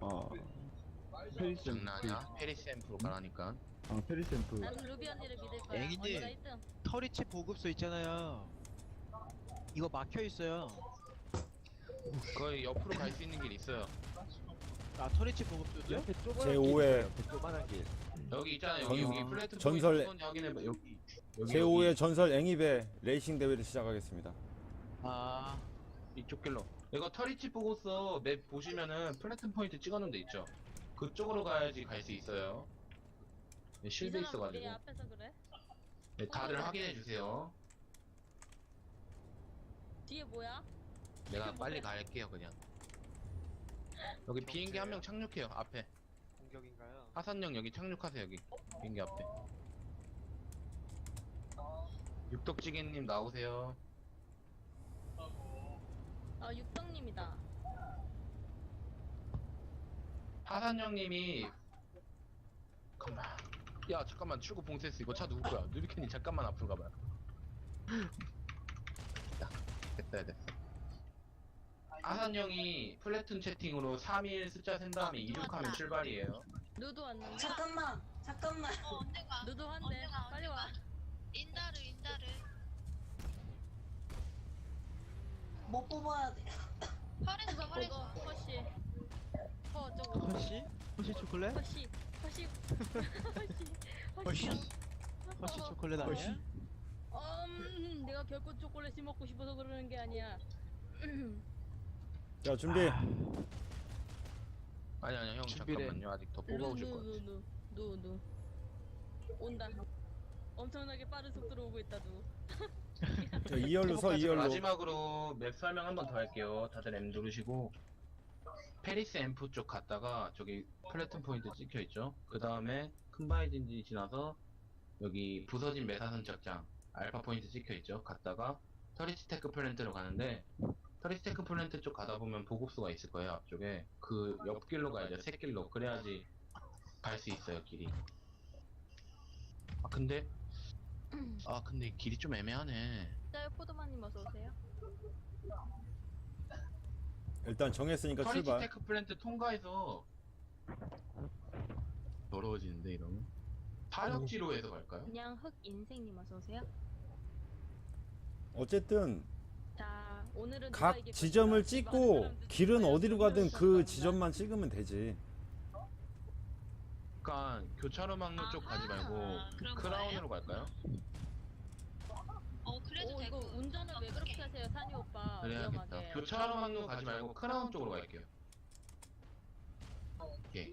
아 페리스 장난이야? 페리스 앰프로 가라니까. 페리스 앰프. 나는 루비 언니를 믿을 거야. 앵이님. 언니가 1등. 터리치 보급소 있잖아요. 이거 막혀 있어요. 거의 옆으로 갈 수 있는 길 있어요. 아 터리치 보급소죠? 제5회 조그만한 길. 여기 있잖아요. 전- 여기 플랫폼 전설- 포인트 확인해봐. 여기. 제5회 전설 앵입의 레이싱 대회를 시작하겠습니다. 아, 이쪽 길로. 이거 터리치 보고서 맵 보시면은 플랫폼 포인트 찍어놓은 데 있죠. 그쪽으로 가야지 갈 수 있어요. 네, 실드 이 사람 우리 있어가지고. 앞에서 그래? 네, 다들 확인해 주세요. 뒤에 뭐야? 내가 빨리 갈게요 그냥. 여기 비행기 한 명 착륙해요 앞에. 공격인가요? 하산역 여기 착륙하세요 여기 비행기 앞에. 육덕지게님 나오세요. 아 육덕님이다. 하산역님이 잠깐만. 야 잠깐만 출구 봉쇄했어. 이거 차 누구 거야? 누비캔님 잠깐만 앞으로 가봐요. 됐다 됐어. 하산역이 플래툰 채팅으로 3일 숫자 센 다음에 이륙하면 출발이에요. 누드 왔는데? 잠깐만. 언제가? 누드 한대. 빨리 와. 인다르. 뭐 뽑아야 돼? 허리에서 그거 허리에서. 허쉬. 저거. 허쉬? 허쉬 초콜릿? 허쉬. 허쉬? 허쉬 초콜릿 아니야? 내가 결코 초콜릿이 먹고 싶어서 그러는 게 아니야. 자 준비. 아니 형 준비래. 잠깐만요. 아직 더 뽑아오실 것 같아. 누. 온다. 엄청나게 빠른 속도로 오고 있다 누. 자 2열로 서 2열로. 마지막으로 맵 설명 한 번 더 할게요. 다들 M 누르시고 페리스 앰프 쪽 갔다가 저기 플래툰 포인트 찍혀 있죠. 그 다음에 큰바이진지 지나서 여기 부서진 메사선 착장 알파 포인트 찍혀 있죠. 갔다가 터리스테크 플랜트로 가는데 터리스테크 플랜트 쪽 가다 보면 보급소가 있을 거예요. 앞쪽에 그 옆길로 가야죠. 새길로. 그래야지 갈 수 있어요 길이. 근데 길이 좀 애매하네. 짜요 포도마님 어서 오세요. 일단 정했으니까 출발. 터리스테크 플랜트 통과해서 더러워지는데 이러면 사력지로 해서 갈까요? 그냥 흑 인생님 어서 오세요. 어쨌든 자 오늘은 누가 각 이길 지점을 것인가? 찍고 많은 사람들이 길은 과연 어디로 누구를 가든 그 선택할까? 지점만 찍으면 되지. 그러니까 교차로 막루 쪽 가지 말고 그런 크라운으로 갈까요? 그래도 오 되고. 이거 운전을 왜 그렇게 하세요 산이 오빠 그래야겠다. 위험하게. 교차로 막루 가지 말고 크라운 쪽으로 갈게요. 오케이.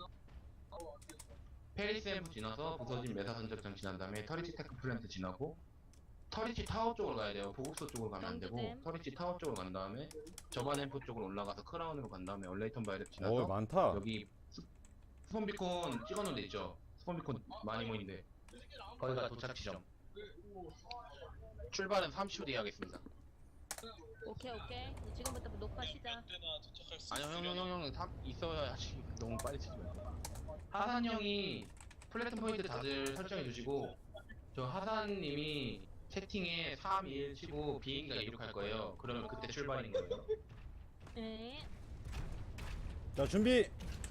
페리스 앰프 지나서 부서진 메사선적장 지난 다음에 터리치 테크 플랜트 지나고 터리치 타워 쪽으로 가야 돼요. 보급소 쪽으로 가면 안 되고 경주댐. 터리치 타워 쪽으로 간 다음에 저반 앰프 쪽으로 올라가서 크라운으로 간 다음에 얼레이턴 바이랩 지나서 많다. 여기 스폰비콘 찍어놓은 데 있죠? 스폰비콘 많이 모이는데 거기가 도착 지점. 출발은 30초 뒤에 하겠습니다. 오케이 지금부터 녹화 시작. 아니요 형 있어야지. 너무 빨리 치지 말고. 하산 형이 플랫폼 포인트 다들 설정해 주시고 저 하산님이 채팅에 3, 2, 1 치고 비행기가 이륙할 거예요. 그러면 그때 출발인 거예요. 네. 자 준비.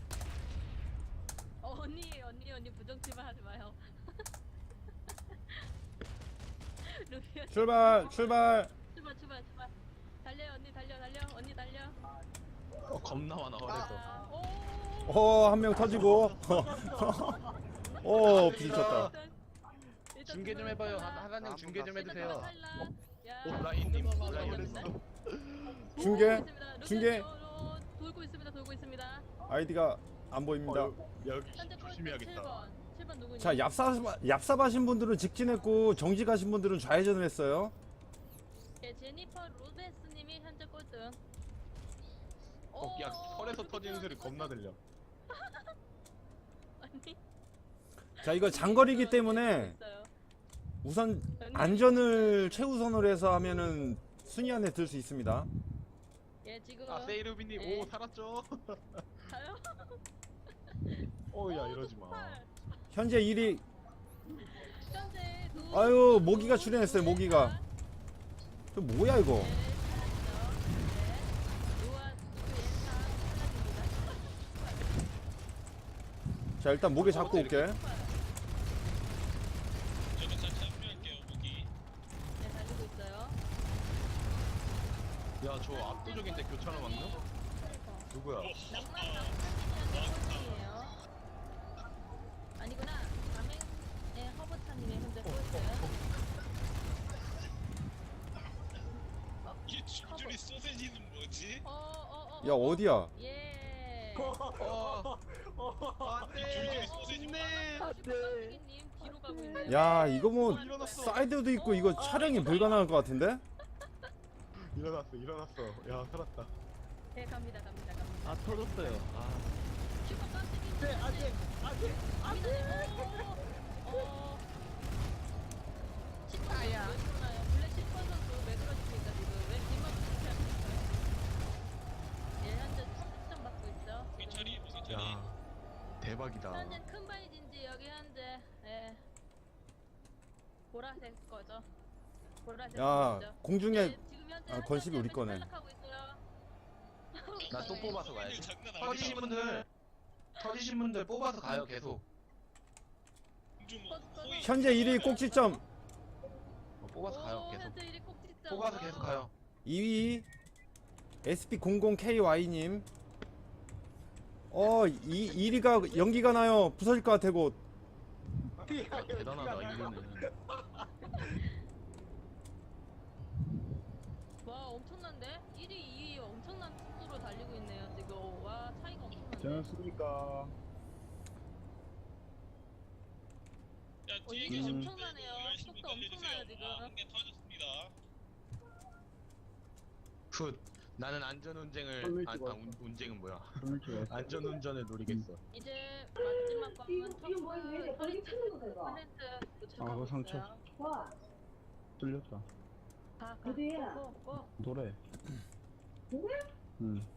언니 부정치만 하지 마요. 루비 언니 출발. 출발. 달려 언니 달려. 겁나 많아 어려서. 오. 한 명 터지고. 오 부딪혔다. 일단 중계 좀 해봐요. 하산님 중계 좀 해주세요. 야. 라인님 중계. 돌고 있습니다. 아이디가 안 보입니다. 현재 조심해야겠다. 7번 누구니? 자 얍삽하신 분들은 직진했고 정지 가신 분들은 좌회전을 했어요. 네, 제니퍼 로베스님이 현재 꼴등. 야 털에서 터지는 소리 겁나 들려. 아니. 자 이거 장거리이기 때문에 있어요. 우선 안전을 최우선으로 해서 하면은 순위 안에 들 수 있습니다. 예 지금. 세이루비님 네. 살았죠? 가요? 야 이러지 마. 현재 1위. 현재 아유 모기가 출연했어요. 모기가. 저 뭐야 이거? 자 일단 목에 잡고 올게. 저도 참여할게요, 무기. 네, 달리고 있어요. 야, 저 압도적인데 교차로 막는? 누구야? 낭만이에요. 아니구나. 가맹의 허버차님의 현재 꼴찌요. 이 줄줄이 소세지는 뭐지? 야 어디야? 예. 줄줄이 소세지 님 뒤로 가고 있네요. 야 이거 뭐 사이드도 있고 이거 촬영이 불가능할 것 같은데? 일어났어. 야, 살았다. 네, 갑니다. 아 터졌어요. 아 슈퍼 깜찍이. 네, 아직. 아야. 왜 그러나요? 블랙 슈퍼 선수 왜 그러십니까 지금? 왜 뒷만 그렇게 하십니까? 예, 현재 30점 받고 있죠. 무기처리 무기처리. 야, 대박이다. 현재 큰 바이진지 여기 현재 보라색 거죠. 보라색 야 거죠. 공중에 네, 지금 현재 아, 건식이 우리 거네. 탈락하고 있어요. 나 또 뽑아서 가야지. 장난 터지신 분들 뽑아서 가요, 계속. 호의. 현재 1위 꼭지점. 뽑아서 가요, 오, 계속. 현재 1위 꼭 진짜. 뽑아서 계속 가요. 2위 SP00KY님. 1위가 연기가 나요. 부서질 것 같아 곧. 야, 대단하다, 1위는. 와, 엄청난데? 1위, 2위 엄청난 속도로 달리고 있네요, 지금. 와, 차이가 엄청난데. 괜찮습니까? 야 뒤에 이게 계신 엄청나네요. 분들 열심히 속도 엄청나요, 달려주세요. 지금. 한개 터졌습니다. 굿. 나는 안전운전을, 운전은 뭐야. 안전운전을 노리겠어. 이제 마지막 관문 터프 터리트 콘텐츠 아, 도착하고 그거 상처. 있어요. 뚫렸다. 고. 노래. 응.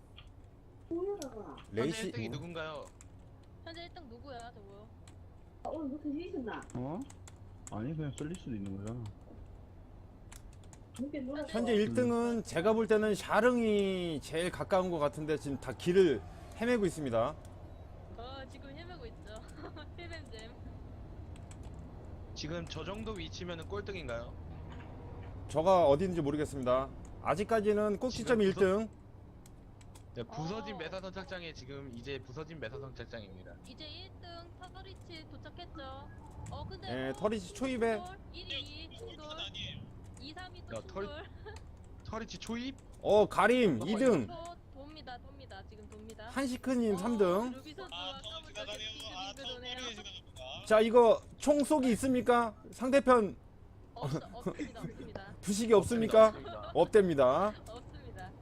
레이시 레이시 1등이 누군가요? 현재 1등 누구야, 저거? 어? 아니, 그냥 썰릴 수도 있는 거잖아. 현재 1등은 제가 볼 때는 샤릉이 제일 가까운 것 같은데 지금 다 길을 헤매고 있습니다. 지금 헤매고 있죠. 힐뱀잼. 지금 저 정도 위치면은 꼴등인가요? 저가 어디인지 모르겠습니다. 아직까지는 꼭지점 지금 1등. 네, 부서진 매사선 착장에 지금 이제 부서진 매사선 착장입니다. 이제 1등 터리치 도착했죠. 근데 예, 터리치 초입에 1위 충돌, 아니에요. 2, 3위 야, 또 충돌. 터리치 초입? 가림 2등. 돕니다. 지금 돕니다. 한시크님 3등. 루비 선수와 아 더워 지나가네요. 아 더워 도네요. 빠르게 지나갑니다. 자 이거 총 쏘기 있습니까? 상대편 없습니다. 부식이 없습니까? 없답니다. 없습니다.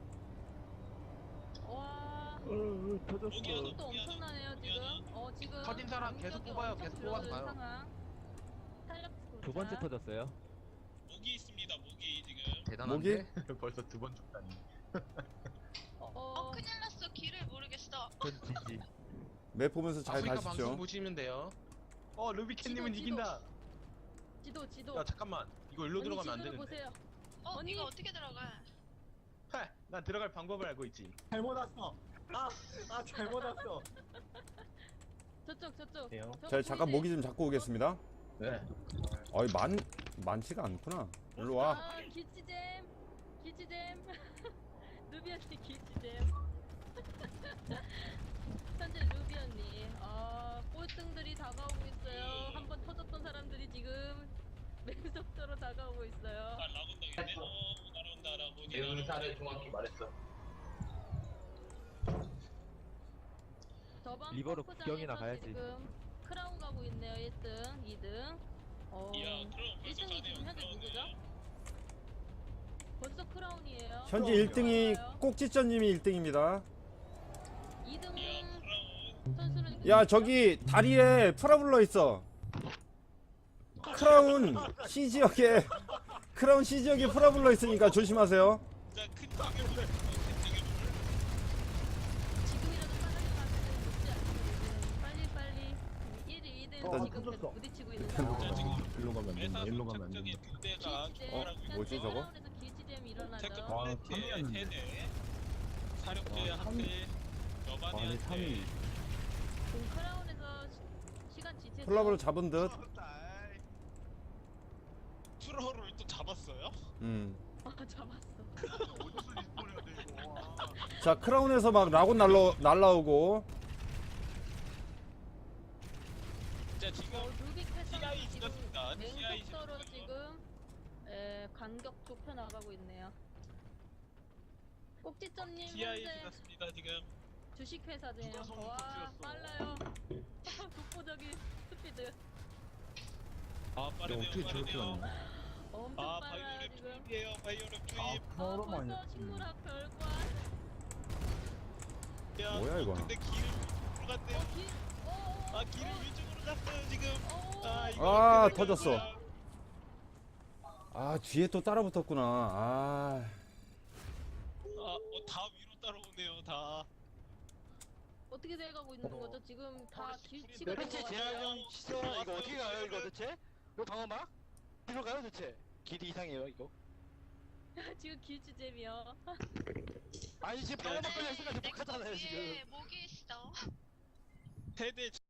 와, 터졌어. 속도 엄청나네요 지금. 지금 터진 사람 계속 공격이 뽑아요. 엄청 계속 뽑아서 줄어든 가요. 상황. 두 번째 터졌어요. 무기 있습니다. 무기 지금. 대단한데? 벌써 두 번 죽다니. 큰일 났어. 길을 모르겠어. 터지지. 맵 보면서 잘 아프리카 방송 가십시오. 보시면 돼요. 루비캣님은 지도. 이긴다. 지도. 야 잠깐만, 이거 일로 들어가면 안 지도를 되는데. 보세요. 언니. 이거 어떻게 들어가? 난 들어갈 방법을 알고 있지. 잘못 왔어. 잘못 왔어. 저쪽. 돼요? 자 잠깐 모기 좀 잡고 오겠습니다. 네. 많지가 않구나. 일로 와. 길치잼. 루비 언니 길치잼. 현재 루비 언니. 꼴등들이 다가오고 있어요. 한번 터졌던 사람들이 지금 맹속도로 다가오고 있어요. 라곤당인데. 날아온다. 내 의사를 정확히 말했어. 저번 리버로 골프장에서 구경이나 가야지. 지금 크라운 가고 있네요. 1등, 2등. 이야 그럼 벌써 1등이 지금 현재 누구죠? 벌써 크라운이에요. 현재 1등이 꼭지점님이 1등입니다. 2등은 선수는 야 저기 다리에 프라블러 있어. 크라운 C 지역에 프라블러 있으니까 조심하세요. 자큰 타격을 지금이라도 빠르게 가면 높지 않거든요. 빨리 1위, 2등 일단 지금 계속 터졌어. 부딪히고 있는 상황. 일로 가면 안 된다. 일로 가면 안 작전이 된다. 두 대가 출발하고 있는 뭐지, 저거? 크라운에서 길치잼이 일어나죠. 체크 아, 플레이트 탐이었는데. 3대 사력제 아, 한대 여반이 아니, 3위. 지금 크라운에서 일단 지체. 콜라보를 잡은 듯. 트롤을 또 잡았어요? 아 잡았어. 어디서 리스폰해야 돼 이거? 와. 자, 크라운에서 막 라곤 날라오고. 자 지금 루빅 패턴 TI 지금 지났습니다. TI 맹속도로 지났습니다. 지금 간격 좁혀 나가고 있네요. 꼭지점님 TI 현재 지났습니다 지금. 주식회사네요. 누가 성공 와 터뜨렸어? 빨라요. 독보적인 스피드. 아 빠르네요. 어떻게 저렇게 빠르네요. 왔냐? 엄청 아 빨라요 바이오랩 지금. 투입이에요. 바이오랩 투입. 벌써 식물학 결과. 야, 뭐야, 이거? 근데 길을 위쪽으로 갔네요. 아 길을 위쪽으로 갔어요 지금. 아 이거 아, 어떻게 된 터졌어. 거야? 아, 뒤에 또 따라 붙었구나. 아. 다 위로 따라오네요 다. 어떻게 돼가고 있는 거죠? 지금 다 길치가 몇 된것 개 같아요. 제한량 시죠 이거 어떻게 가요 이거 대체? 이거 방어막? 어디로 가요 대체? 길이 이상해요 이거. 지금 길치잼이요. 아니 지금 방어막 걸려 있으니까 못 가잖아요 지금. 위에 목이 있어. 세대